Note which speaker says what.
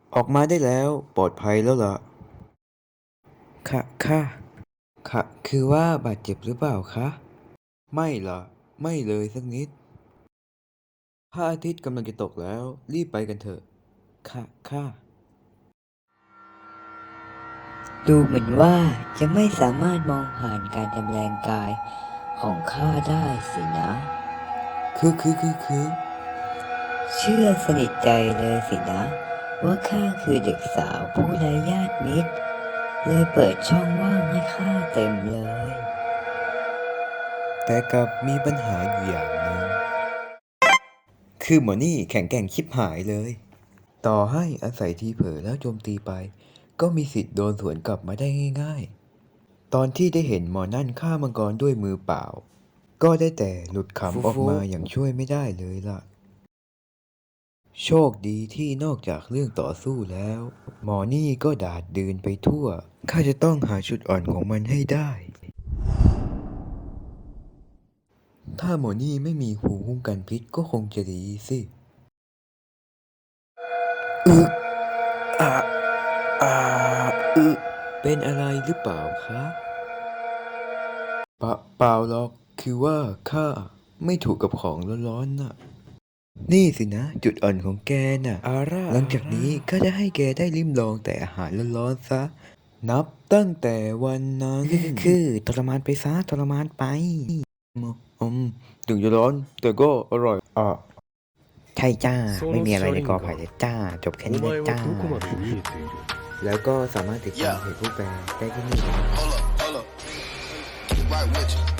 Speaker 1: ออกมาได้แล้วปลอดภัยแล้วล่ะค่ะคือว่าบาดเจ็บหรือเปล่าคะไม่ล่ะไม่เลยสักนิดพระอาทิตย์กำลังจะตกแล้วรีบไปกันเถอะค่ะ
Speaker 2: ดูเหมือนว่าจะไม่สามารถมองผ่านการจำแรงกายของข้าได้สินะ
Speaker 1: คือ
Speaker 2: เชื่อสนิทใจเลยสินะ ว่าข้าคือเด็กสาวผู้ไร้ญาติมิตรเลยเปิดช่องว่างให้ข้าเต็มเลย
Speaker 1: แต่กลับมีปัญหาอยู่อย่างหนึ่งคือหมอนี่แข็งแกร่งชิบหายเลย ต่อให้อาศัยทีเผลอแล้วโจมตีไป ก็มีสิทธิ์โดนสวนกลับมาได้ง่ายๆ ตอนที่ได้เห็นหมอนั่นฆ่ามังกรด้วยมือเปล่า ก็ได้แต่หลุดขำออกมาอย่างช่วยไม่ได้เลยล่ะ โชคดีที่นอกจากเรื่องต่อสู้แล้ว หมอนี่ก็ดาดดืนไปทั่ว ข้าจะต้องหาจุดอ่อนของมันให้ได้ ถ้าหมอนี่ไม่มีภูมิคุ้มกันพิษก็คงจะดีสิอึกอ่ะอ่าอึเป็นอะไรหรือเปล่าคะเปล่าหรอก คือว่าข้าไม่ถูกกับของร้อนๆน่ะ นี่สินะ จุดอ่อนของแกน่ะหลังจากนี้ก็จะให้แกได้ลิ้มลองแต่อาหารร้อนๆซะ นับตั้งแต่วันนั้นคือทรมานไปซะทรมานไปอืมถึงจะร้อนแต่ก็อร่อยใช่จ้า ไม่มีอะไรในกอไผ่เลยจ้า จบแค่นี้เลยจ้า แล้วก็สามารถติดตามเพจผู้แปลได้ที่นี่นะ
Speaker 3: Hold up, right with you.